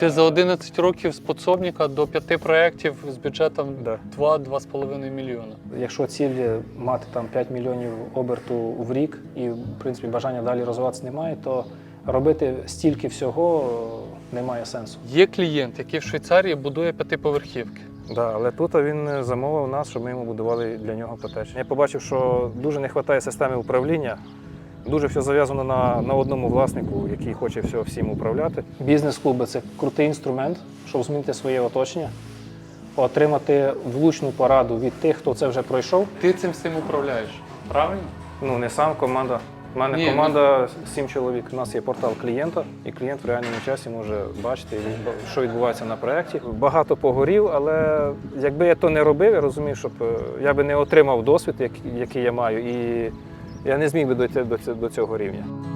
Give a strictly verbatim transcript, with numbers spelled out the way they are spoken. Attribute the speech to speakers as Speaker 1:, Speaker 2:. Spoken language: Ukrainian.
Speaker 1: Ти за одинадцять років з підсобника до п'яти проєктів з бюджетом
Speaker 2: Да.
Speaker 1: два-два з половиною мільйона.
Speaker 2: Якщо ціль мати там п'ять мільйонів оберту в рік і, в принципі, бажання далі розвиватися немає, то робити стільки всього немає сенсу.
Speaker 1: Є клієнт, який в Швейцарії будує п'ятиповерхівки.
Speaker 2: Да, але тут він замовив нас, щоб ми йому будували для нього котедж. Я побачив, що дуже не вистачає системи управління. Дуже все зав'язано на, на одному власнику, який хоче все всім управляти. Бізнес-клуби – це крутий інструмент, щоб змінити своє оточення, отримати влучну пораду від тих, хто це вже пройшов.
Speaker 1: Ти цим всім управляєш, правильно?
Speaker 2: Ну, не сам, команда. У мене
Speaker 1: Ні,
Speaker 2: команда сім чоловік. У нас є портал клієнта, і клієнт в реальному часі може бачити, що відбувається на проєкті. Багато погорів, але якби я то не робив, я розумію, щоб я би не отримав досвід, який я маю, і я не зміг би дойти до цього рівня.